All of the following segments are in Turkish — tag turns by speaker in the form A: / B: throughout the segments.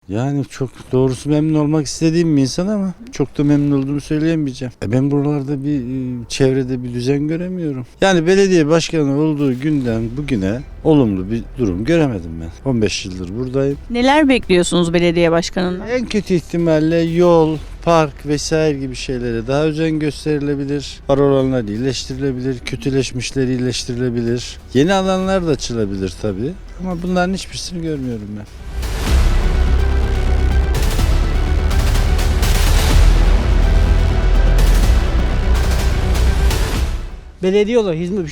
A: Yani çok doğrusu memnun olmak istediğim bir insan ama çok da memnun olduğumu söyleyemeyeceğim. Ben buralarda bir çevrede bir düzen göremiyorum. Yani belediye başkanı olduğu günden bugüne olumlu bir durum göremedim ben. 15 yıldır buradayım.
B: Neler bekliyorsunuz belediye başkanından?
A: En kötü ihtimalle yol, park vesaire gibi şeylere daha özen gösterilebilir. Var olanlar iyileştirilebilir, kötüleşmişler iyileştirilebilir. Yeni alanlar da açılabilir tabii. Ama bunların hiçbirisini görmüyorum ben.
C: Belediye olarak hizmet,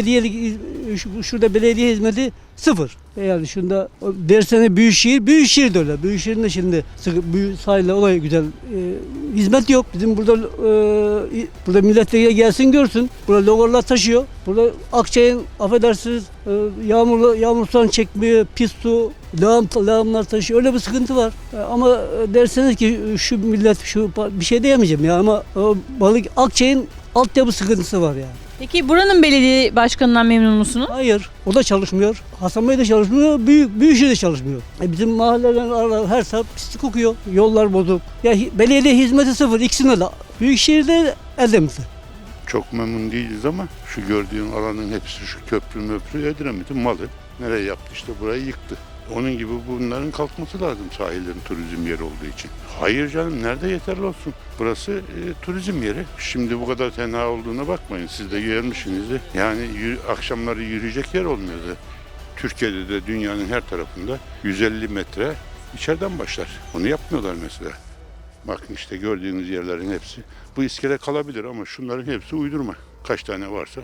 C: şurada belediye hizmeti sıfır. Yani şunda dersene Büyükşehir de öyle. Büyükşehir'in de şimdi sahile olay güzel. Hizmet yok. Bizim burada milletvekili gelsin görsün. Burada logolar taşıyor. Burada Akçay'ın affedersiniz yağmur sudan çekmiyor, pis su, lağımlar taşıyor. Öyle bir sıkıntı var. Ama derseniz ki şu millet bir şey diyemeyeceğim ya ama balık Akçay'ın altyapı sıkıntısı var yani.
B: Peki buranın belediye başkanından memnun musunuz?
C: Hayır, o da çalışmıyor. Hasan Bey de çalışmıyor, Büyükşehir de çalışmıyor. Bizim mahallelerin araları her saat pislik kokuyor, yollar bozuk. Ya belediye hizmeti sıfır, ikisinde de. Büyükşehir'de Edremit'te.
D: Çok memnun değiliz ama şu gördüğün alanın hepsi şu köprü Edremit'in malı. Nereye yaptı işte burayı yıktı. Onun gibi bunların kalkması lazım sahillerin turizm yeri olduğu için. Hayır canım nerede yeterli olsun. Burası turizm yeri. Şimdi bu kadar tenha olduğuna bakmayın. Siz de görmüşsünüzdür. Yani akşamları yürüyecek yer olmuyordu. Türkiye'de de dünyanın her tarafında 150 metre içeriden başlar. Onu yapmıyorlar mesela. Bakın işte gördüğünüz yerlerin hepsi. Bu iskele kalabilir ama şunların hepsi uydurma. Kaç tane varsa.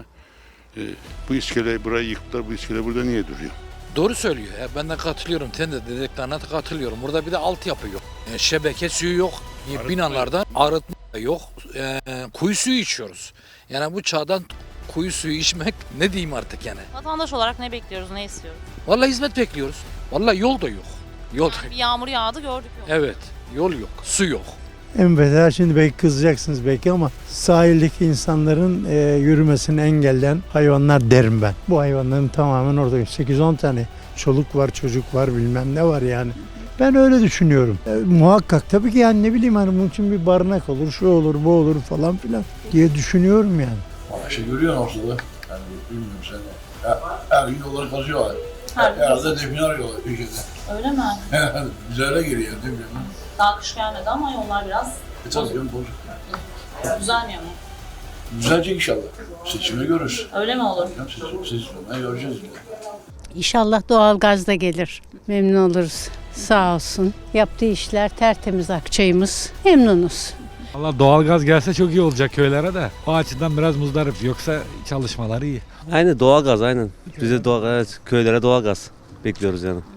D: Bu iskeleyi burayı yıktılar. Bu iskele burada niye duruyor?
E: Doğru söylüyor. Ben de katılıyorum. Sen de dediklerine de katılıyorum. Burada bir de altyapı yok. Şebeke suyu yok. Binalardan arıtma yok. Kuyu suyu içiyoruz. Yani bu çağdan kuyu suyu içmek ne diyeyim artık yani.
F: Vatandaş olarak ne bekliyoruz, ne istiyoruz?
E: Vallahi hizmet bekliyoruz. Vallahi yol da yok. Yol da
F: Bir yağmur yağdı gördük yok.
E: Evet. Yol yok. Su yok.
G: En beter şimdi belki kızacaksınız belki ama sahildeki insanların yürümesini engelleyen hayvanlar derim ben. Bu hayvanların tamamen orada 8-10 tane çoluk var, çocuk var, bilmem ne var yani. Ben öyle düşünüyorum. Muhakkak tabii ki yani ne bileyim hani bunun için bir barınak olur, şu olur, bu olur falan filan diye düşünüyorum yani.
H: İşte görüyorsun ortada. Yani bilmiyorum sen de. Her gün yolları kazıyorlar. Herhalde define arıyorlar ülkede.
F: Öyle mi?
H: Biz öyle geliyor değil mi?
F: Daha kış gelmedi ama yollar biraz
H: Tabii canım bozuk.
F: düzelmiyor mu?
H: Düzelecek inşallah. Seçimi görürüz.
F: Öyle mi olur?
H: Seçimi göreceğiz.
I: İnşallah doğalgaz da gelir. Memnun oluruz. Sağ olsun. Yaptığı işler tertemiz Akçay'ımız. Memnunuz.
J: Valla doğalgaz gelse çok iyi olacak köylere de. O açıdan biraz muzdarip. Yoksa çalışmaları iyi.
K: Aynen doğalgaz aynen. Bize doğalgaz, köylere doğalgaz bekliyoruz yani.